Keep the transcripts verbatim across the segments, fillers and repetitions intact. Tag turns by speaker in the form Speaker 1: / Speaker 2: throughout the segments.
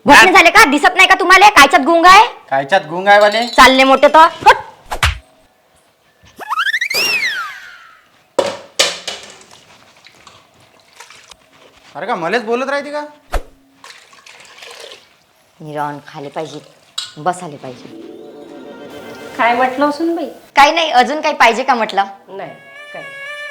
Speaker 1: घोटणे झाले का? दिसत नाही का तुम्हाला? कायच्यात गुंग आहे?
Speaker 2: कायच्यात गुंग आहे वाले?
Speaker 1: चालले मोठे तर हट.
Speaker 2: अरे का मलेच बोलत राहते का?
Speaker 1: निरावून खाले पाहिजे, बसाले पाहिजे.
Speaker 3: काय म्हटलं असून बाई?
Speaker 1: काही नाही, अजून काही पाहिजे का म्हटलं?
Speaker 3: नाही काय.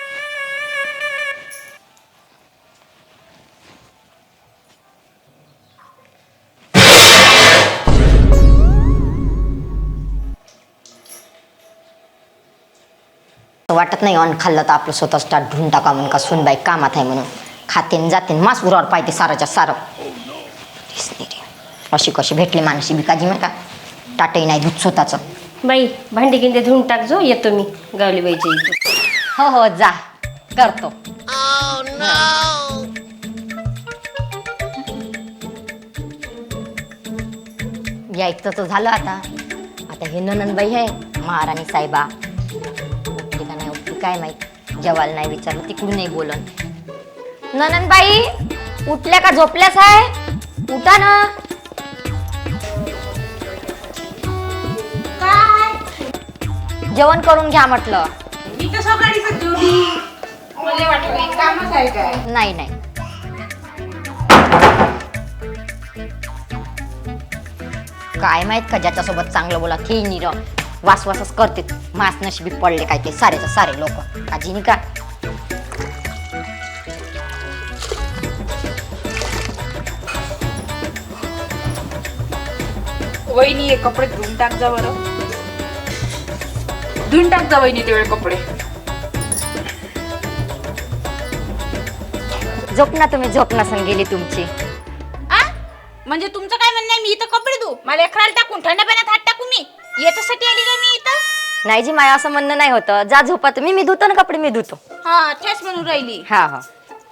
Speaker 1: वाटत नाही ऑन खाल्लं तर आपलं स्वतः स्टार्ट ढूंढ टाका म्हणून का सुनबाई कामात आहे म्हणून खाते जाते मास उरावर पाहिजे साराच्या सारं. अशी कशी भेटली मानसी बिकाजी मग का टाटही नाही दूध स्वतःच.
Speaker 3: बाई भांडी गिंडे धुवून टाक जो, येतो मी गावली बाईच्या इथे.
Speaker 1: हो हो जा करतो. यायचं तर झालं आता. आता हे ननंदबाई आहे महाराणी साहेबा उठली का नाही उठली काय माहित. जेवायला नाही विचारलं तिकडून नाही बोलन. ननंदबाई उठल्या का झोपल्याच आहे? उठा ना. जेवण करून घ्या म्हटलं. नाही नाही काय माहित का ज्याच्यासोबत चांगलं बोला ते निर वास वासच करते. मास नशिबी पडले काय ते सारेच सारे लोक काजी नाही का.
Speaker 4: वहिनी हे कपडे धुवून टाक जा बरं. धुवून टाक जा वहिनी तेवढे कपडे.
Speaker 1: झोप ना तुम्ही. झोप नसन गेली तुमची.
Speaker 4: आ म्हणजे तुमचं काय म्हणणं आहे? मी इथं कपडे धुऊ? मला एखाद्याला टाकून थंड पाण्यात हात टाकू? मी याच्यासाठी आली का मी इथं?
Speaker 1: नाही जी माया असं म्हणणं नाही होतं. जा झोपा तुम्ही. मी धुतो ना कपडे. मी धुतो.
Speaker 4: हा तेच म्हणून राहिली.
Speaker 1: हा हा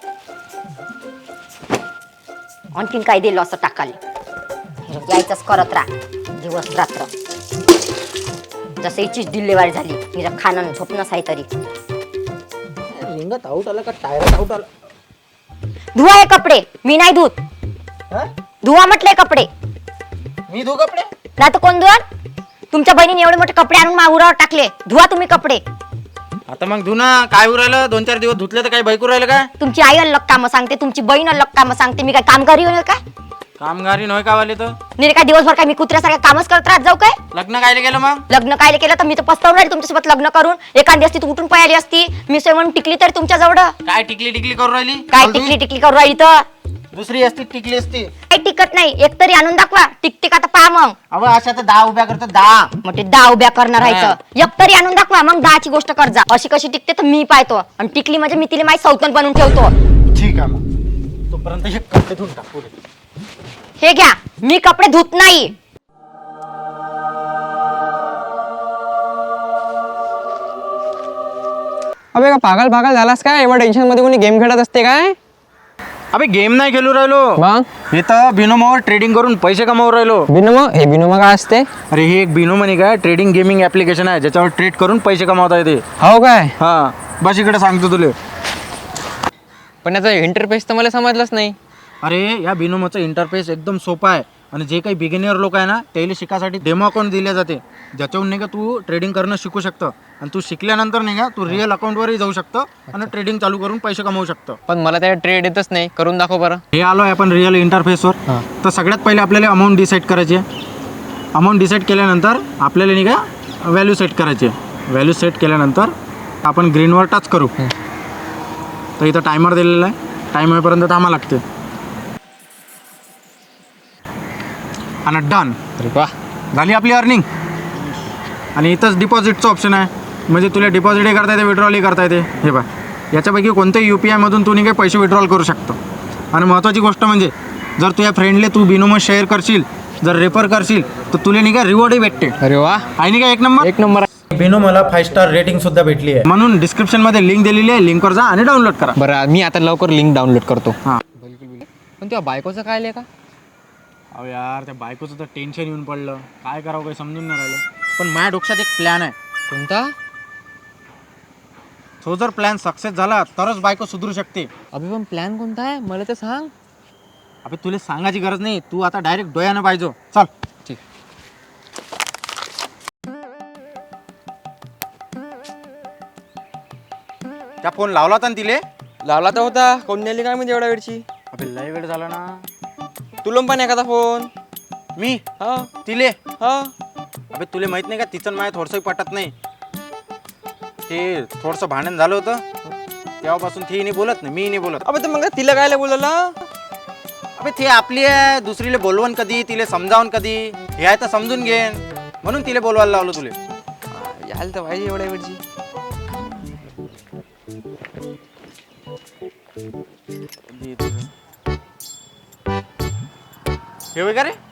Speaker 1: आणखीन काय दिलं असं टाकाले. यायचंच करत राहा दिवस रात्र. जसं हिचीच डिलेवरी झाली हिला खाणं झोपणंच आहे तरी.
Speaker 2: रिंगात आऊट आला का टायरात आऊट आला?
Speaker 1: धुवा हे कपडे. मी नाही धुत. धुवा म्हटले कपडे.
Speaker 2: मी धू कपडे?
Speaker 1: नाही तर कोण धुवाल? तुमच्या बहिणीने एवढे मोठे कपडे आणून माहुरावर टाकले. धुवा तुम्ही कपडे.
Speaker 2: आता मग धू ना. काय उरायलं? दोन चार दिवस धुतले तर काय बाईक उरायलं का?
Speaker 1: तुमची आई अलग कामं सांगते, तुमची बहीण अलग कामं सांगते. मी काय कामगारी होणार काय?
Speaker 2: कामगारी नव्हे का वाले? तर
Speaker 1: नाही काय दिवसभर काय मी कुत्र्यासारखं कामच करत राहत जाऊ काय?
Speaker 2: लग्न कायले गेलं मग?
Speaker 1: लग्न काय केलं तर मी तर पस्तावून राहिली तुमच्यासोबत लग्न करून. एखादी असती तू उठून पळाली असती. मी म्हणून टिकली तरी तुमच्या जवळ.
Speaker 2: काय टिकली टिकली करू राहिली?
Speaker 1: काय टिकली टिकली करू राहिली तर?
Speaker 2: दुसरी असती टिकली असती.
Speaker 1: काही टिकत नाही. एक तरी आणून दाखवा. टिकटिक आता पहा मग.
Speaker 2: अव अशा तर दहा उभ्या करतात. दहा
Speaker 1: मोठे दहा उभ्या करणार आहे. एक तरी आणून दाखवा मग दहाची गोष्ट कर जा. अशी कशी टिकते तर मी पाहतो. आणि टिकली म्हणजे मी तिला माझी सौतन बनवून ठेवतो.
Speaker 2: ठीक आहे मग तोपर्यंत हे कपडे धुवून टाक पुढे.
Speaker 1: हे घ्या. मी कपडे धुत नाही.
Speaker 5: अबे का पागल पागल झालास काय? एवढ्या टेन्शन मध्ये कोणी गेम खेळत असते काय?
Speaker 2: अबे गेम नाही खेळू राहिलो.
Speaker 5: मग
Speaker 2: हे तर बिनोमावर ट्रेडिंग करून पैसे कमावू राहिलो.
Speaker 5: बिनोमो? हे बिनोमो काय असते?
Speaker 2: अरे हे एक बिनो मनी काय ट्रेडिंग गेमिंग ऍप्लिकेशन आहे ज्याच्यावर ट्रेड करून पैसे कमावता येते.
Speaker 5: हो काय?
Speaker 2: हा बस इकडे सांगतो तुले.
Speaker 5: पण याचा इंटरफेस तर मला समजलंच नाही.
Speaker 2: अरे या बिनोमोचा इंटरफेस एकदम सोपा आहे. आणि जे काही बिगिनियर लोक आहे ना त्याला शिकासाठी डेमो अकाउंट दिले जाते ज्याच्यावरून नाही का तू ट्रेडिंग करणं शिकू शकतं. आणि तू शिकल्यानंतर नाही का तू रिअल अकाउंटवरही जाऊ शकतं आणि ट्रेडिंग चालू करून पैसे कमवू शकतं.
Speaker 5: पण मला त्या ट्रेड येतच नाही. करून दाखव बरं.
Speaker 2: हे आलो आहे आपण रिअल इंटरफेसवर. तर सगळ्यात पहिले आपल्याला अमाऊंट डिसाईड करायची आहे. अमाऊंट डिसाईड केल्यानंतर आपल्याला नाही का व्हॅल्यू सेट करायची आहे. व्हॅल्यू सेट केल्यानंतर आपण ग्रीनवर टच करू. तर इथं टायमर दिलेला आहे. टाइम होईपर्यंत थांबा लागते. आणि डन.
Speaker 5: अरे वा,
Speaker 2: झाली आपली अर्निंग. आणि इथंच डिपॉझिटचं ऑप्शन आहे. म्हणजे तुला डिपॉझिटही करता येते विड्रॉलही करता येते. हे बघ याच्यापैकी कोणत्याही यू पी आयमधून तू नाही काही पैसे विड्रॉल करू शकतो. आणि महत्त्वाची गोष्ट म्हणजे जर तुझ्या फ्रेंडले तू बिनोमो शेअर करशील, जर रेफर करशील तर तुला नाही का रिवॉर्डही भेटते.
Speaker 5: अरे वा,
Speaker 2: आहे नाही का एक नंबर?
Speaker 5: एक नंबर.
Speaker 2: बिनोमोला फाईव्ह स्टार रेटिंग सुद्धा भेटली आहे. म्हणून डिस्क्रिप्शनमध्ये लिंक दिलेली आहे. लिंकवर जा आणि डाउनलोड करा.
Speaker 5: बरं मी आता लवकर लिंक डाउनलोड करतो.
Speaker 2: हां
Speaker 5: पण त्या बायकोचं काय आलं का?
Speaker 2: अहो यार त्या बायकोचं तर टेन्शन येऊन पडलं. काय करावं काही समजून नाही राहिलं. पण माझ्या डोक्यात एक प्लॅन आहे.
Speaker 5: कोणता?
Speaker 2: तो जर प्लॅन सक्सेस झाला तरच बायको सुधरू शकते.
Speaker 5: अभि पण प्लॅन कोणता आहे मला तर सांग.
Speaker 2: अबे तुला सांगायची गरज नाही, तू आता डायरेक्ट डोळ्यानं पाहिजे. चल. ठीक. त्या फोन लावला होता ना तिले?
Speaker 5: लावला तर होता, कोण नेली काय म्हणजे एवढ्या वेळची.
Speaker 2: अबे लय वेळ झाला ना.
Speaker 5: तुला पण एखादा फोन.
Speaker 2: मी
Speaker 5: हा
Speaker 2: तिले
Speaker 5: हा
Speaker 2: अबे तुला माहित नाही का, तिचं माय थोडंसंही पटत नाही. ते थोडंसं भांडण झालं होतं, तेव्हापासून ती नाही बोलत नाही, मी नाही बोलत.
Speaker 5: अबे तर मग तिला काय बोलला.
Speaker 2: अबे ते आपली आहे, दुसरीले बोलवण कधी, तिले समजावून कधी, हे आहे तर समजून घेन, म्हणून तिले बोलवायला लावलं तुले.
Speaker 5: यायला तर पाहिजे एवढ्या वेळची.
Speaker 2: हे होय का रे?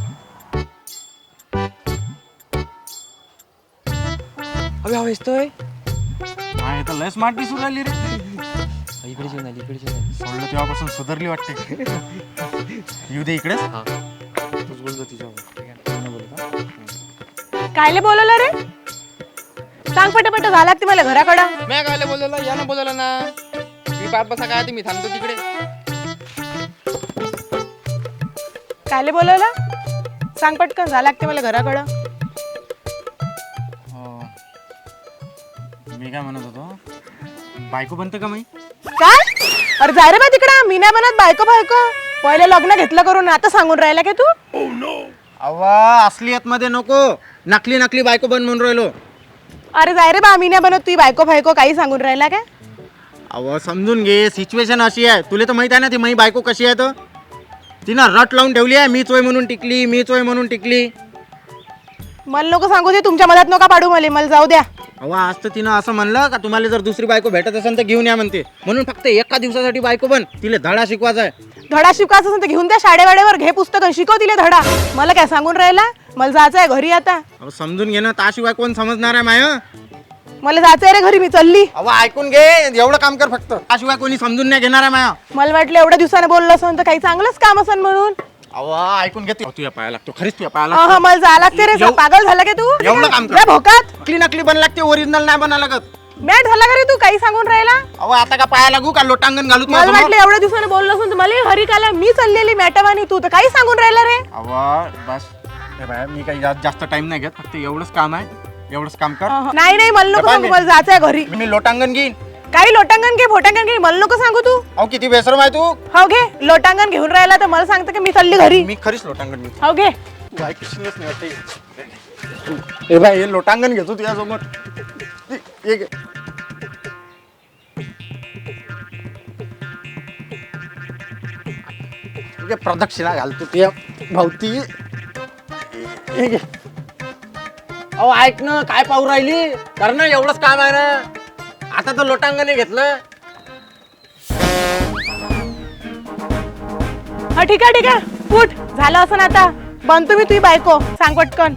Speaker 5: अबे हा वेचतोय.
Speaker 2: हा हे तर लय स्मार्ट दिसून राहिली रे.
Speaker 5: इकडे जेवण आली, इकडे जेवण आली.
Speaker 2: सोडलं तेव्हापासून सुधारली वाटते. येऊ दे इकडेच. तूच बोलतो तिच्यावर.
Speaker 4: कायले बोलवलं रे? सांग पटापट, झाला ते मला घराकडं.
Speaker 5: मी काय बोलवलं, या ना बोलवलं ना. मी पाच बसा काय, मी थांबतो तिकडे.
Speaker 4: कायले बोलवलं? सांग पटकन, झाला ते मला घराकडं.
Speaker 2: मी काय म्हणत होतो, बायको बनते का मी?
Speaker 4: काय? अरे जाय रे बा तिकडं, मी नाही बनत बायको बायको. पहिले लग्न घेतलं करून आता सांगून राहिला का तू?
Speaker 2: अवा असलियत मध्ये नको, नकली नकली बायको बन म्हणून राहिलो.
Speaker 4: अरे जाय रे बा, मी नाही बनत, तू बायको बायको काही सांगून राहिला का?
Speaker 2: अव समजून घे, सिच्युएशन अशी आहे. तुला तर माहित आहे ना ती माझी बायको कशी आहे. तर तिनं रट लावून ठेवली आहे, मी चोय म्हणून टिकली, मी चोय म्हणून टिकली.
Speaker 4: मला नको सांगू दे, तुमच्या मधात नका पाडू मला, मला जाऊ द्या.
Speaker 2: अहो आज तर तिनं असं म्हणलं का तुम्हाला जर दुसरी बायको भेटत असेल तर घेऊन या म्हणते, म्हणून फक्त एका दिवसासाठी बायको बन, तिला धडा शिकवायचा आहे.
Speaker 4: धडा शिकायचा असेल तर घेऊन द्या शाळेवाड्यावर, घे पुस्तक शिकव तिले धडा. मला काय सांगून राहिला? मला जायचं आहे घरी आता.
Speaker 2: अहो समजून घे ना, त्याशिवाय कोण समजणार आहे माय.
Speaker 4: मला जायचं आहे रे घरी, मी चालली.
Speaker 2: अहो ऐकून घे, एवढं काम कर फक्त, त्याशिवाय कोणी समजून नाही घेणार आहे माया.
Speaker 4: मला वाटलं एवढ्या दिवसाने बोललं असन तर काही चांगलंच काम असन म्हणून.
Speaker 2: अहो ऐकून घे, तुझ्या पाया लागतो, खरीच तुझ्या पाया
Speaker 4: हा
Speaker 2: लागतो.
Speaker 4: मला जायला लागते रे,
Speaker 2: एव-
Speaker 4: पागल झाला का तू?
Speaker 2: एवढं काम कर.
Speaker 4: रे भोकात,
Speaker 2: नकली नकली बन लागते, ओरिजिनल नाही बना लागत.
Speaker 4: मॅट झाला का रे तू, काही सांगून राहिला?
Speaker 2: अहो आता का पाया लागू का, लोटांगण घालू
Speaker 4: मला
Speaker 2: तुझ्या
Speaker 4: वाटलं एवढ्या दिवसाने बोललं असून तर मला हरी काला, मी चाललेली मॅटवानी, तू तर काही सांगून राहिला रे.
Speaker 2: अहो बस हे बाय, मी काही जा- जास्त टाइम नाही घेत, फक्त एवढंच काम आहे, एवढंच काम कर.
Speaker 4: नाही नाही मला नको
Speaker 2: बाय,
Speaker 4: सांगू,
Speaker 2: मी-
Speaker 4: मला जायचं आहे घरी.
Speaker 2: मी लोटांगण घेईन.
Speaker 4: काही लोटांगण घे, फोटांगण घे, मला नको सांगू तू.
Speaker 2: अहो किती बेसरम आहे तू.
Speaker 4: हो घे, लोटांगण घेऊन राहिला तर मला सांगतं की मी चालली घरी.
Speaker 2: मी खरीच लोटांगण घेतो.
Speaker 4: हो घे.
Speaker 2: तू ऐकशीलच नाही वाटते. हे बाय, हे लोटांगण घेतो तुझ्यासमोर. हे घे. हे घे, प्रदक्षिणा घालतो तुझ्या भवती. हे घे. अहो ऐक ना, काय पाहू राहिली, कर ना, एवढंच काम आहे ना. आता तर लोटांगण घेतलं.
Speaker 4: हा ठीक आहे ठीक आहे, उठ, झालं असं आता. बनतो मी तुझी बायको, सांग पटकन.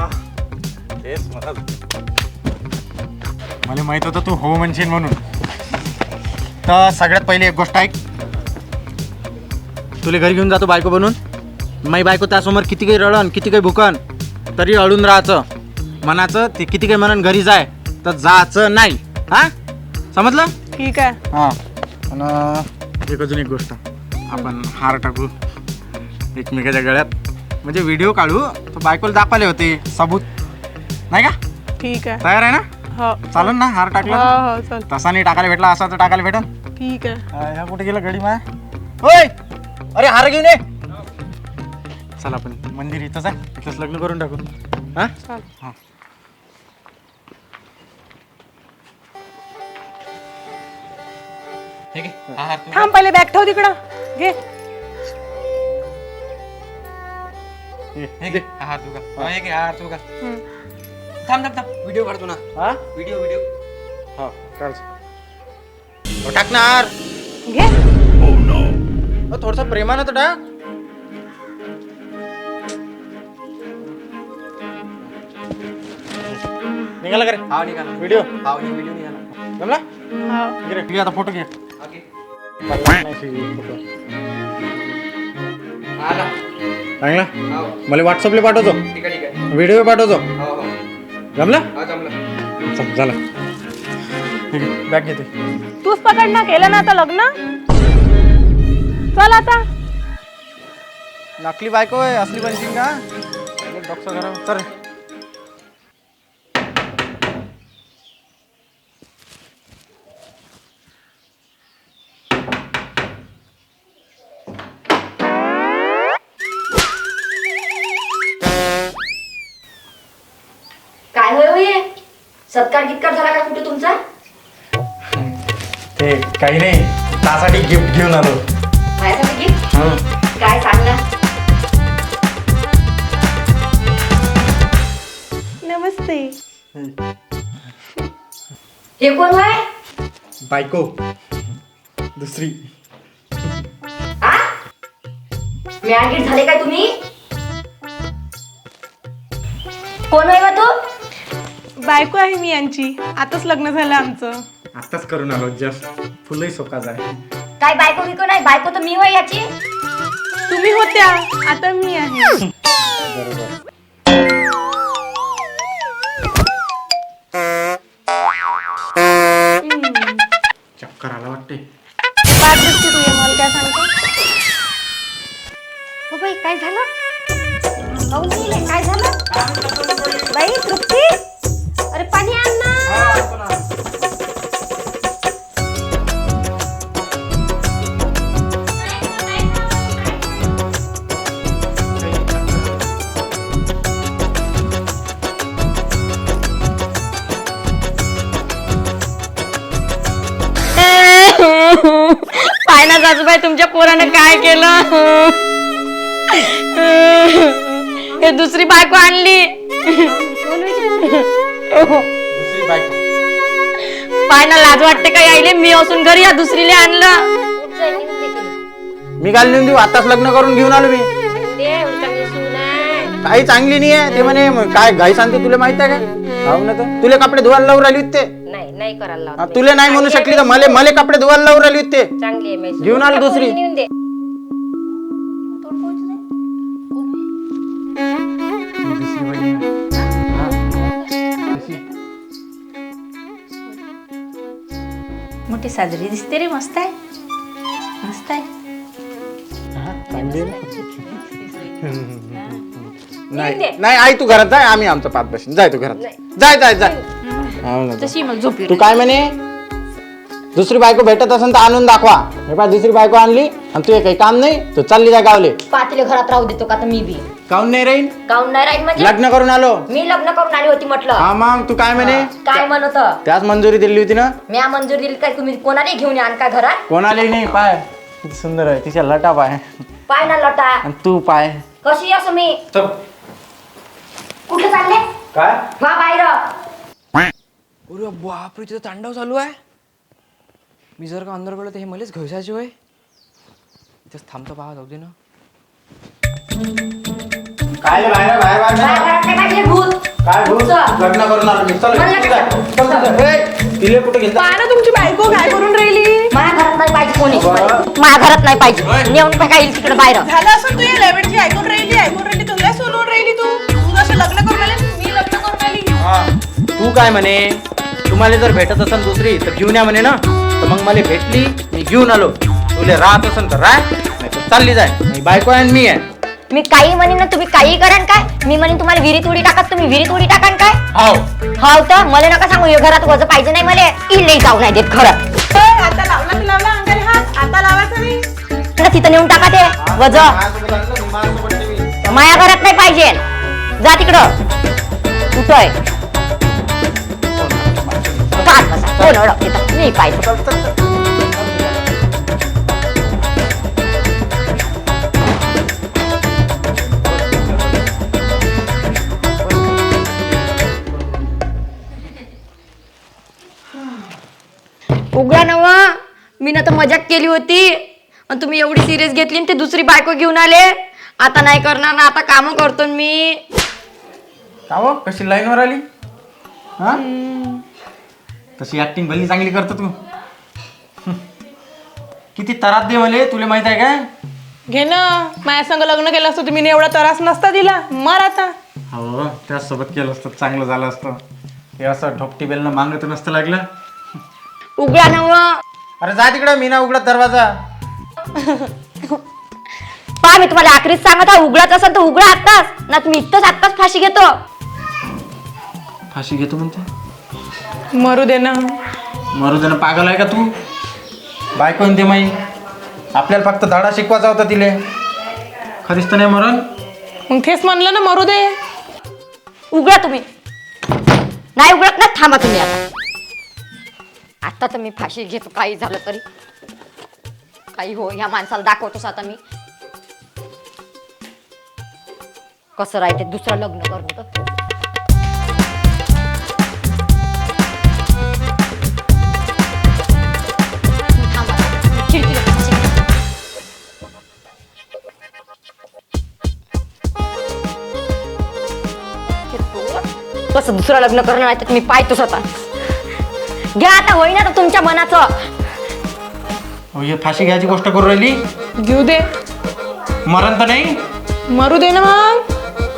Speaker 2: मला माहित होतं तू हो म्हणशील म्हणून. तर सगळ्यात पहिली एक गोष्ट ऐक, तुला घरी घेऊन जातो बायको बनून. माई बायको त्यासमोर किती काही रडन, किती काही भुकन, तरी अडून राहायचं. मनाचं ते किती काही म्हणून घरी जाय तर जायचं नाही. हा समजलं?
Speaker 4: ठीक आहे.
Speaker 2: हां. आणि एक अजून एक गोष्ट, आपण हार टाकू एकमेकाच्या गळ्यात, म्हणजे व्हिडिओ काढू, तर बायकोला दाखवले होते सबूत, नाही का?
Speaker 4: ठीक आहे.
Speaker 2: तयार आहे ना?
Speaker 4: हो
Speaker 2: चालेल ना हार टाकला?
Speaker 4: हो हो चल.
Speaker 2: तसा नाही टाकायला भेटला, असा तर टाकायला भेटल.
Speaker 4: ठीक आहे.
Speaker 2: ह्या कुठे गेला गडी माया? होय, अरे हार घेऊन ये. चल आपण मंदिर इथंच आहे, इथंच लग्न करून टाकू. हा
Speaker 4: चल.
Speaker 2: हा.
Speaker 5: ठीक आहे. हा हार तू.
Speaker 4: थांब, पहिले बॅग ठेव तिकडं, घे.
Speaker 5: हे घे, हा हार तू घाल. हा, हे घे, हा हार तू घाल.
Speaker 4: हम्म.
Speaker 5: थांब थांब थांब, व्हिडिओ काढतो ना.
Speaker 2: हा
Speaker 5: व्हिडिओ व्हिडिओ.
Speaker 2: हा काढ. हो, टाक ना हार.
Speaker 4: घे.
Speaker 2: थोडस प्रेमानं तर टाक. निघाला का रे
Speaker 5: हा निघाला.
Speaker 2: व्हिडिओ?
Speaker 5: हा व्हिडिओ निघाला.
Speaker 2: जमला?
Speaker 4: हो.
Speaker 2: घे रे, घे आता फोटो घे.
Speaker 5: ओके.
Speaker 2: चांगला,
Speaker 5: आला. हो.
Speaker 2: मला व्हॉट्सअपला पाठवतो,
Speaker 5: ठीक आहे ठीक आहे.
Speaker 2: व्हिडिओ पाठवतो.
Speaker 5: हो हो.
Speaker 2: जमला?
Speaker 5: हा जमलं.
Speaker 2: चल झालं. ठीक आहे, बॅग घेते.
Speaker 4: तूच पकड ना, केलं ना आता लग्न. चल आता.
Speaker 2: नकली बायको आहे असली बनशील का डॉक्टर करा तर
Speaker 1: काय होय होय सत्कार गितकार झाला का कुठे तुमचा?
Speaker 2: ते काही नाही त्यासाठी गिफ्ट घेऊन आलो.
Speaker 1: माझ्यासाठी gift?
Speaker 2: हं.
Speaker 1: काय सांग ना.
Speaker 6: नमस्ते.
Speaker 1: हे कोण होय?
Speaker 2: बायको दुसरी.
Speaker 1: आ मॅगीट झाले काय तुम्ही? कोण होय बा तू?
Speaker 6: बायको आहे मी यांची. आताच लग्न झालं आमचं.
Speaker 2: आताच करून आलो जस्ट फुलही सोकाच आहे.
Speaker 1: काय बायको बिको नाही, बायको तर मी होय याची.
Speaker 6: तुम्ही होत्या, आता मी आहे.
Speaker 2: चक्कर आला वाटते.
Speaker 6: पाच दिवशी तू ये, मला काय सांगतो?
Speaker 1: हो बाई काय झालं? काहून गेले? काय झालं? बाई तृप्ती, अरे पाणी आण ना.
Speaker 3: पाय ना सासूबाई तुमच्या पोरानं काय केलं. हे दुसरी बायको आणली.
Speaker 2: दुसरी बायको
Speaker 3: पाय ना लाज वाटते का यायले, मी असून घरी या दुसरीले आणलं.
Speaker 2: मी घाल नेऊन देऊ. आताच लग्न करून घेऊन आलो मी. काही चांगली नाही आहे ते म्हणे. मग काय घाई सांगते तुला माहित आहे का? हो ना तर तुला कपडे धुवायला लावून राहिली होते.
Speaker 3: नाही नाही करायला
Speaker 2: हा, तुला नाही म्हणू शकली तर मले मले कपडे धुवायला लावून राहिली होते.
Speaker 3: चांगली आहे
Speaker 2: घेऊन आलो दुसरी.
Speaker 4: मोठी साजरी दिसते रे. मस्त आहे, मस्त आहे.
Speaker 2: नाही नाही आई तू घरात जाय, आम्ही आमचं पाच बसून जाय. तू घरात जाय जाय जाय. हो ना.
Speaker 4: तशी मग झोप
Speaker 2: तू काय म्हणे दुसरी बायको भेटत असेल तर आणून दाखवा. हे पाय दुसरी बायको आणली आणि तू काही काम नाही तू चालली जा गावले.
Speaker 1: पातीले घरात राहू देतो का तर मी बी?
Speaker 2: काऊन नाही राहील?
Speaker 1: काहून नाही राहील म्हणजे?
Speaker 2: लग्न करून आलो.
Speaker 1: मी लग्न करून आली होती म्हटलं.
Speaker 2: हा मग तू काय म्हणे
Speaker 1: काय म्हणत?
Speaker 2: त्याच मंजुरी दिली होती ना.
Speaker 1: मी मंजुरी दिली काय? तुम्ही कोणाला घेऊन या का घरात?
Speaker 2: कोणालाही नाही. पाय किती सुंदर आहे तिच्या लटा पाय.
Speaker 1: पाय ना लटा.
Speaker 2: आणि तू पाय
Speaker 1: कशी असं मी कुठे चालले?
Speaker 2: काय
Speaker 1: वा बाहेर.
Speaker 5: अरे बापरे, तिथं तांडव चालू आहे. मी जर का अंदर गेलो तर हे मलाच घसायचे होय. इथंच थांबतो पाहा, जाऊ दे ना.
Speaker 2: काय रे, बाहेर बाहेर बाहेर
Speaker 1: बाहेर घरात काय पाहिजे भूत?
Speaker 2: काय भूत?
Speaker 1: भूतचं.
Speaker 2: लग्न करून आलो मी. चल
Speaker 1: मला
Speaker 2: इकडे
Speaker 1: काय?
Speaker 2: जा. चल, चल, चल. ए, तिले कुठे घेतलं?
Speaker 6: पाहा ना तुमची बायको काय करून राहिली.
Speaker 1: माझ्या घरात नाही पाहिजे कोणी. माझ्या घरात नाही पाहिजे. नेऊन टाका येईल तिकडे बाहेर.
Speaker 6: झालं असं तू या लेवडची ऐकून राहिली ऐकून राहिली तुला सोडून राहिली. तू तू असं लग्न करून आली, मी लग्न करून आली.
Speaker 2: हा. तू काय म्हणे तुम्हाला जर भेटत असेल दुसरी तर घेऊन या म्हणे ना. तर मग मला भेटली मी घेऊन आलो. तुला राहत असेल तर राह, नाही तर चालली जाय. मी बायको आहे आणि मी आहे.
Speaker 1: मी काही म्हणेन ना तुम्ही काही करान काय? मी म्हणेन तुम्हाला विहिरीत उडी टाकत तुम्ही विहिरीत उडी टाकान काय?
Speaker 2: हाव
Speaker 1: हाव तर मला नका सांगू. हे घरात वज पाहिजे नाही मला. इल्ले जाऊ नाही देत खरं.
Speaker 6: ए, आता लावला तर लावला अंगाने हात. आता लावायचा नाही.
Speaker 1: ना तिथं नेऊन टाका ते वज.
Speaker 2: माझ्यासोबत आलं ना, मी माझ्यासोबत ठेवीन.
Speaker 1: माया घरात नाही पाहिजे. जा तिकडं. कुठंय पाच बसा. कोण ओळखते तर मी पाहिजे.
Speaker 3: उघडा नवा. मी ना तर मजाक केली होती आणि तुम्ही एवढी सिरियस घेतली आणि ते दुसरी बायको घेऊन आले. आता नाही करणार ना, आता काम करतो ना मी.
Speaker 2: का हो कशी लाईनवर आली? हा तशी ऍक्टिंग भल्ली चांगली करतो तू. किती तरात दे मले तुला माहित आहे काय?
Speaker 6: घे ना, माझ्या संग लग्न केलं असतं तुम्ही एवढा त्रास नसता दिला. मर आता.
Speaker 2: हो त्याचसोबत केलं असतं चांगलं झालं असतं. हे असं ढोपटी बेलनं मागत नसतं लागलं.
Speaker 3: उघडा नवा.
Speaker 2: अरे जा तिकडं. मी ना उघडत दरवाजा.
Speaker 3: पहा मी तुम्हाला आखरीच सांगत आहे, उघडाच असेल तर उघडा आत्ताच, ना तुम्ही इथंच आत्ताच फाशी घेतो.
Speaker 2: फाशी घेतो म्हणते.
Speaker 6: मरू दे ना.
Speaker 2: मरू दे ना, पागल आहे का तू? बायको म्हणते माई, आपल्याला फक्त धडा शिकवायचा होता तिले. खरीच तर नाही मरण.
Speaker 6: मग तेच म्हणलं ना, मरू दे.
Speaker 3: उघडा तुम्ही. नाही उघडत ना, थांबा तुम्ही आता. आता तर मी फाशी घेतो, काही झालं तरी. काही हो, ह्या माणसाला दाखवतोस आता मी कसं राहते दुसरं लग्न करणं तर. थांबा, खिडकीला फाशी घे. कसं दुसरं लग्न करणं नाही तर मी पाहतोच आता. घ्या आता, होईना तर तुमच्या मनाचं.
Speaker 2: हो, हे फाशी घ्यायची गोष्ट करू राहिली.
Speaker 6: घेऊ दे.
Speaker 2: मरण तर नाही.
Speaker 6: मरू दे ना मग.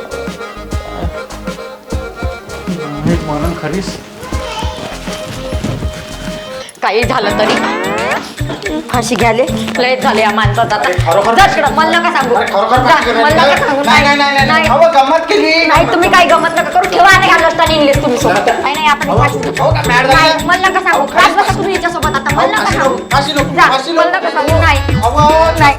Speaker 2: मरण खरीच.
Speaker 3: काही झालं तरी फाशी घ्याले लय झाले या माणसात आता.
Speaker 2: खरोखर
Speaker 3: जा तिकडं, मला नका सांगू. जा, मला नका सांगू.
Speaker 2: नाही नाही नाही नाही. अहो, गंमत केली.
Speaker 3: नाही तुम्ही काही गमत नका करू. ठेवा आणि घालत असताना इंग्लिश तुम्ही सोबत. नाही नाही आपण फाशी घेऊ.
Speaker 2: हो का, मॅड झाली?
Speaker 3: नाही, मला नका सांगू. फास बसा तुम्ही याच्यासोबत आता. मला नका सांगू.
Speaker 2: फाशी नको,
Speaker 3: जा,
Speaker 2: फाशी
Speaker 3: मला
Speaker 2: नको.
Speaker 3: नका सांगू. नाही
Speaker 2: अहो,
Speaker 3: नाही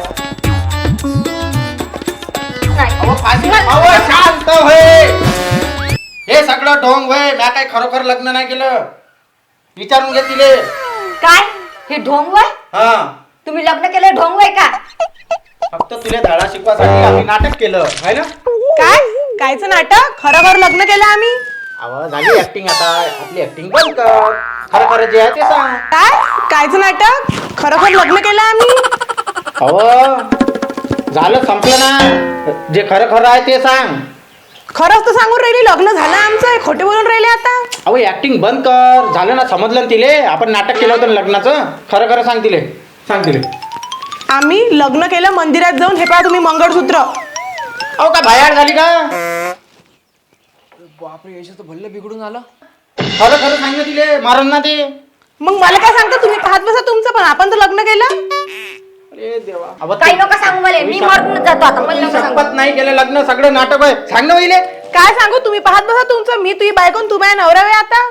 Speaker 2: अहो, फाशी
Speaker 3: नाही.
Speaker 2: अहो, शांत होय. हे सगळं ढोंग होय. म्या काही खरोखर लग्न नाही केलं. विचारून घे तिले.
Speaker 3: काय हे ढोंग वय?
Speaker 2: हा,
Speaker 3: तुम्ही लग्न केलं ढोंग वय का?
Speaker 2: फक्त तुला धडा शिकवासाठी आम्ही नाटक केलं आहे ना.
Speaker 6: काय कायचं नाटक? खरं खरं लग्न केलं आम्ही.
Speaker 2: अहो, झाली ऍक्टिंग. आता आपली ऍक्टिंग बंद कर. खरं खरं जे आहे ते सांग.
Speaker 6: काय कायचं नाटक? खरं खरं लग्न केलं आम्ही.
Speaker 2: अहो, झालं, संपलं ना. जे खरं खरं आहे ते सांग.
Speaker 6: खरंच तर सांगून राहिली, लग्न झालं आमचं. खोटे बोलून राहिले आता.
Speaker 2: अहो, ऍक्टिंग बंद कर. झालं ना, समजलं ना तिले. आपण नाटक केलं होतं ना लग्नाचं. खरं खरं सांग तिले. सांग तिले.
Speaker 6: आम्ही लग्न केलं मंदिरात जाऊन. हे पहा तुम्ही मंगळसूत्र.
Speaker 2: अहो, का बाहेर झाली का?
Speaker 5: बापरे, याच्यात तर भल्लं बिघडून आलं.
Speaker 2: खरं खरं सांग ना तिले. मारण ना ते.
Speaker 6: मग मला काय सांगता तुम्ही? पाहत बसा तुमचं, पण आपण तर लग्न केलं.
Speaker 2: अरे देवा. अहो,
Speaker 3: काही नका सांगू मला. मी मरून जातो आता. मला नका सांगू.
Speaker 2: शपथ नाही केलं लग्न. सगळं नाटक आहे. सांग ना पहिले.
Speaker 6: काय सांगू तुम्ही? पाहत बसा तुमचं. मी तुझी बायकोन तू माझ्या नवरा आहे आता.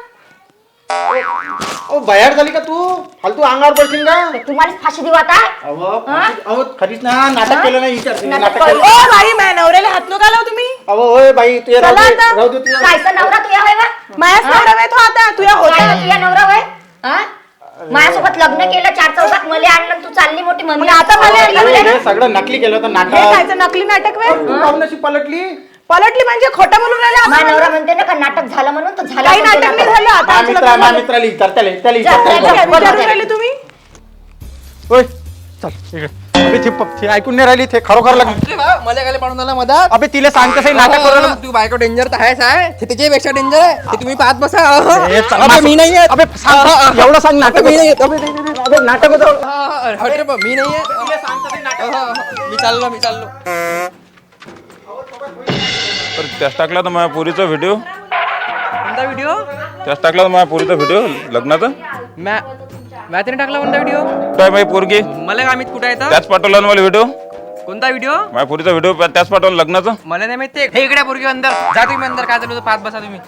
Speaker 2: अहो, बाहेर झाली का तू? फालतू अंगावर पडशील का?
Speaker 3: तुम्हालाच फाशी देऊ आता.
Speaker 2: अहो, फाशी- अहो, खरीच ना, नाटक केलं नाही. विचार तिने
Speaker 3: नाटक
Speaker 2: नाटक
Speaker 3: केलं.
Speaker 2: केलं.
Speaker 6: ओ बाई, माझ्या नवऱ्याला हात नका लावू तुम्ही.
Speaker 2: अहो, होय बाई, तू ये, राहू
Speaker 6: चला
Speaker 2: दे,
Speaker 6: आता.
Speaker 2: राहू दे तुझ्या.
Speaker 3: कायचा नवरा तुया होय बा?
Speaker 6: माझ्याच नवरा आहे तो आता. तुझ्या
Speaker 3: काय
Speaker 6: होता.
Speaker 3: ना तुया नवरा होय? हा? माझ्यासोबत लग्न केलं, चार चौकात मला आणलं, तू चालली मोठी
Speaker 6: मग
Speaker 3: मंदिर.
Speaker 6: आता मला आणलं
Speaker 2: अरे,
Speaker 6: म्हणे.
Speaker 2: हे सगळं नकली केलं होतं
Speaker 6: हे
Speaker 2: नाटक.
Speaker 6: कायचं नकली नाटक वे?
Speaker 2: तू काहून अशी पलटली?
Speaker 6: पलटली म्हणजे खोटं बोलून राहिले
Speaker 3: माझा
Speaker 6: आपण.
Speaker 3: नवरा म्हणते ना का नाटक झालं म्हणून तर झालं.
Speaker 6: काही
Speaker 3: म्हणते
Speaker 6: नाटक नाही
Speaker 3: नाटक.
Speaker 6: झालं आता.
Speaker 2: मा
Speaker 6: आमचं
Speaker 2: मित्रा
Speaker 6: लग्न
Speaker 2: मा
Speaker 6: झालं.
Speaker 2: मित्राली तर त्याला त्याला
Speaker 3: जा,
Speaker 2: विचार,
Speaker 3: जा,
Speaker 2: त्याला
Speaker 3: जा.
Speaker 2: विचार.
Speaker 6: विचारून राहिले तुम्ही.
Speaker 2: ओय, चल इकडे. अबे ते प- ते ऐकून नाही राहिली. ते खरोखर लग्न.
Speaker 5: मला काय पाडून आला मधात.
Speaker 2: अबे तिला सांग कसं नाटक करू नका.
Speaker 5: तू बायको डेंजर तर आहेच आहे. ते त्याच्यापेक्षा डेंजर आहे. ते तुम्ही पाहत बसा.
Speaker 2: ए, चल,
Speaker 5: अबे,
Speaker 2: मास-
Speaker 5: मी नाही येत.
Speaker 2: अबे सांग, एवढं सांग नाटक.
Speaker 5: मी नाही येत.
Speaker 2: अबे, नाही, नाही, नाही, अबे, नाटक होतं.
Speaker 5: हा, हा, हा, रे बा, मी नाही येत.
Speaker 2: तिला सांग कसं नाटक.
Speaker 5: हा, हा, मी चाललो मी चाललो.
Speaker 7: तर त्याच टाकला तर माझ्या पोरीचा व्हिडिओ
Speaker 5: कोणता व्हिडिओ?
Speaker 7: त्याच टाकला तर माझ्या पोरीचा व्हिडिओ लग्नाचा
Speaker 5: मॅ मॅथने टाकला कोणता व्हिडिओ?
Speaker 7: काय माझी पोरगी
Speaker 5: मला काय माहित कुठे येतं?
Speaker 7: त्याच पाठवला ना मला व्हिडिओ
Speaker 5: कोणता व्हिडिओ?
Speaker 7: माझ्या पोरीचा व्हिडिओ त्याच पाठवला लग्नाचा.
Speaker 5: मला नाही माहित. हे इकडे पोरगी अंदर जा. तुम्ही अंदर काय चालू होतं पाहत बसा तुम्ही.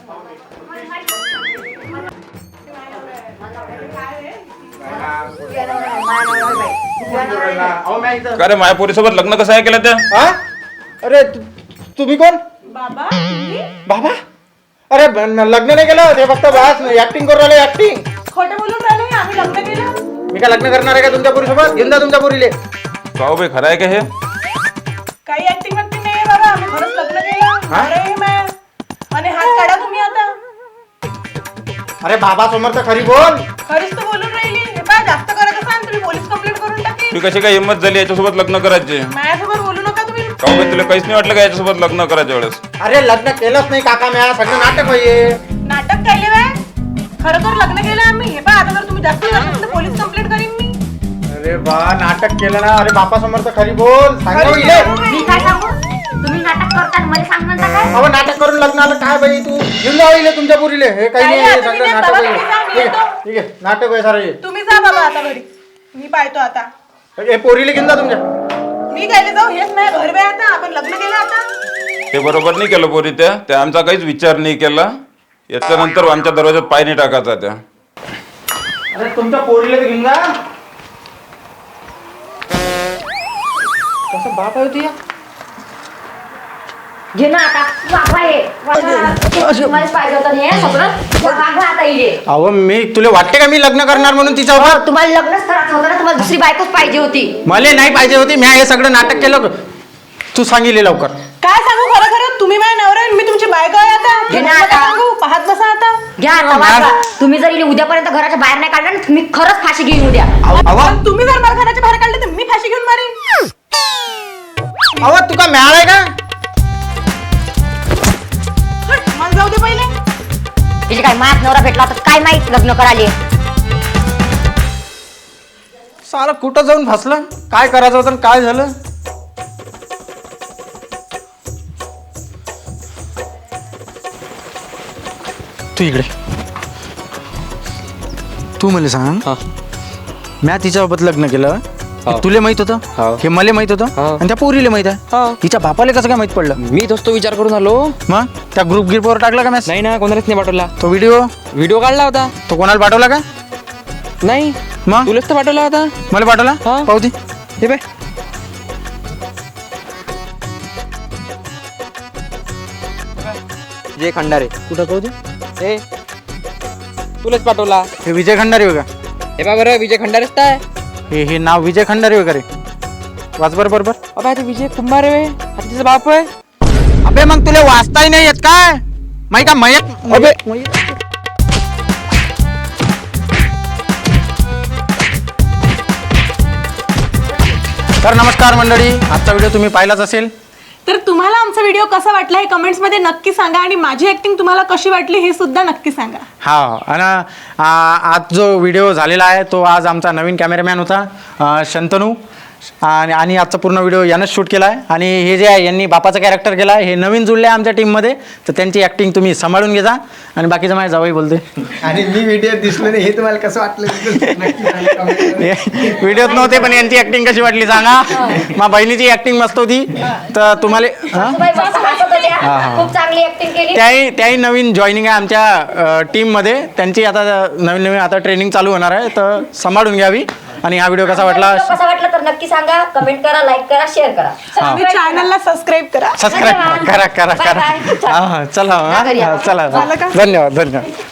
Speaker 2: अहो, म्या इथं.
Speaker 7: का रे माझ्या पोरीसोबत लग्न कसं आहे केलं त्या
Speaker 2: हा? अरे तु- तुम्ही कोण?
Speaker 6: बाबा
Speaker 2: बाबा. अरे ब- न- लग्न नाही केलं. ते फक्त बस ऍक्टिंग करू राहिले. ऍक्टिंग.
Speaker 6: खोटं बोलून राहिले. आम्ही लग्न केलं.
Speaker 2: मी काय लग्न करणार आहे का तुमच्या पोरीसोबत? घेऊन जा तुमच्या पोरीले.
Speaker 7: का बाई खरं आहे का हे
Speaker 6: काही ऍक्टिंग वॅक्टिंग नाही बाबा. आम्ही खरंच लग्न केलं.
Speaker 2: हा?
Speaker 6: अरे मॅ. आणि हात काढा तुम्ही आता.
Speaker 2: अरे बाबा समोर तर खरी बोल.
Speaker 6: खरीच तर बोलून राहिली. हे पहा, जास्त करत असाल तुम्ही पोलीस कंप्लेंट करून टाकेल.
Speaker 7: तुम्ही कशी काय हिंमत झाली याच्यासोबत लग्न करायचे?
Speaker 6: माझ्यासोबत बोलू नका तुम्ही.
Speaker 7: का बाई तुला काहीच नाही वाटलं का याच्यासोबत लग्न करायच्या वेळेस?
Speaker 2: अरे लग्न केलंच नाही काका. म्या सगळं नाटक होईल.
Speaker 6: नाटक केले बाय. खरं तर लग्न केलं आम्ही. हे पहा, आता जर तुम्ही जास्त करत तर पोलीस कंप्लेंट करीन मी.
Speaker 2: अरे बा नाटक केलं ना. अरे बापा समोर तर खरी बोल. सांगा इले.
Speaker 3: मी काय सांगू? तुम्ही नाटक करता मला सांग म्हणता काय?
Speaker 2: अहो नाटक करून लग्न आलं काय बाई तू? घेऊन जाऊ इले तुमच्या पोरीले. हे काही
Speaker 6: काही
Speaker 2: नाही. हे
Speaker 6: आता मी
Speaker 2: सगळं
Speaker 6: नाही.
Speaker 2: नाटक
Speaker 6: बाबा,
Speaker 2: होईल.
Speaker 6: तुम्ही जा, मी
Speaker 2: ठीक
Speaker 6: येतो.
Speaker 2: आहे ठीक आहे. नाटक आहे सारं हे.
Speaker 6: तुम्ही जा बाबा आता घरी. मी पाहतो आता.
Speaker 2: हे पोरीले घेऊन जा तुमच्या.
Speaker 6: मी काय जाऊ हेच नाही घर बे आता आपण लग्न केलं आता.
Speaker 7: ते बरोबर नाही केलं पोरी त्या त्या आमचा काहीच विचार नाही केला. याच्यानंतर आमच्या दरवाजात पाय नाही टाकायचा त्या.
Speaker 2: अरे तुमच्या पोरीला तर घेऊन जा.
Speaker 5: कसं बाप आहे होती या
Speaker 3: घे ना आता वागवा हे वागवा. तुम्हालाच पाहिजे होतं हे सगळं वागवा आता इथे.
Speaker 2: अहो मी तुला वाटते का मी लग्न करणार म्हणून तिच्यावर?
Speaker 3: हो, तुम्हाला लग्नच करायचं होतं ना, तुम्हाला दुसरी बायकोच पाहिजे होती.
Speaker 2: मला नाही पाहिजे होती. मी हे सगळं नाटक केलं. तू सांगितले लवकर.
Speaker 6: काय सांगू खरं खरं तुम्ही माझ्या नवरा आहे, मी तुमची बायको आहे आता.
Speaker 3: घे ना
Speaker 6: नका
Speaker 3: आता.
Speaker 6: सांगू पाहत बसा आता.
Speaker 3: घ्या आता वागवा. तुम्ही जर इले उद्यापर्यंत घराच्या बाहेर नाही काढलं ना, तुम्ही खरंच फाशी घेऊन उद्या.
Speaker 2: अहो
Speaker 6: पण तुम्ही जर मला घराच्या बाहेर काढले तर मी फाशी घेऊन मारीन.
Speaker 2: अहो तू का मिळालाय का?
Speaker 6: हट, मला जाऊ दे पहिले.
Speaker 3: तिचे काय मायात नवरा भेटला तर काय माहित लग्न करायले.
Speaker 2: सारं कुठं जाऊन फसलं. काय करायचं होतं आणि काय झालं? तू इकडे. तू मला सांग, म्या तिच्यासोबत लग्न केलं तुला माहित होतं? हे मला माहित होतं आणि त्या पोरीला माहित आहे. तिच्या बापाला कसं काय माहित पडलं?
Speaker 5: मी तोच तो विचार करून आलो.
Speaker 2: मग त्या ग्रुप गिरपवर टाकला का मॅच?
Speaker 5: नाही ना, कोणालाच नाही पाठवला.
Speaker 2: तो व्हिडिओ
Speaker 5: व्हिडिओ काढला होता.
Speaker 2: तो कोणाला पाठवला का?
Speaker 5: नाही,
Speaker 2: मग
Speaker 5: तुलाच तर पाठवला होता.
Speaker 2: मला पाठवला?
Speaker 5: हा.
Speaker 2: पाहू दे.
Speaker 5: हे बाय विजय खंडारे.
Speaker 2: कुठं पाहू दे.
Speaker 5: हे तुलाच पाठवला.
Speaker 2: हे विजय खंडारे हो का?
Speaker 5: हे बा बरं, विजय खंडारेच तर आहे.
Speaker 2: हे हे नाव विजय खंडारे वगैरे वाच बरं बरोबर.
Speaker 5: अबा ते विजय कुंभार आहे. आता तिचा बाप आहे.
Speaker 2: अबे मग तुला वाचताही नाही येत काय? माही का मयत? अबे तर नमस्कार मंडळी, आजचा व्हिडिओ तुम्ही पाहिलाच असेल.
Speaker 6: तर तुम्हाला आमचा व्हिडिओ कसा वाटला हे कमेंट्स मध्ये नक्की सांगा आणि माझी ऍक्टिंग तुम्हाला कशी वाटली हे सुद्धा नक्की सांगा.
Speaker 2: हा आणि आ, आज जो व्हिडिओ झालेला आहे तो आज आमचा नवीन कॅमेरामॅन होता अ, शंतनू आणि आणि आजचा पूर्ण व्हिडिओ यानंच शूट केला आहे. आणि हे जे आहे यांनी बापाचं कॅरेक्टर केलं आहे, हे नवीन जुळले आहे आमच्या टीममध्ये, तर त्यांची ॲक्टिंग तुम्ही सांभाळून घे जा. आणि बाकीचं माझ्या जावई बोलते.
Speaker 8: आणि मी व्हिडिओ दिसलो नाही हे तुम्हाला कसं वाटलं नक्की सांगा comment मध्ये.
Speaker 2: व्हिडिओत नव्हते पण यांची ॲक्टिंग कशी वाटली सांगा. माझ्या बहिणीची ॲक्टिंग मस्त होती. तर तुम्हाला हां
Speaker 3: बाई मस्त हसत होत्या. खूप चांगली ऍक्टिंग केली.
Speaker 2: त्याही त्याही नवीन जॉईनिंग आहे आमच्या टीममध्ये. त्यांची आता नवीन नवीन आता ट्रेनिंग चालू होणार आहे, तर सांभाळून घ्यावी. आणि हा व्हिडिओ कसा वाटला
Speaker 3: कसा वाटला तर नक्की सांगा. कमेंट करा, लाईक करा, शेअर करा.
Speaker 6: आणि चॅनलला सबस्क्राईब करा.
Speaker 2: सबस्क्राईब करा करा करा
Speaker 3: Bye bye.
Speaker 2: हां हां चला हां,
Speaker 3: घरी या.
Speaker 2: हां, चला
Speaker 6: झालं का?
Speaker 2: धन्यवाद धन्यवाद.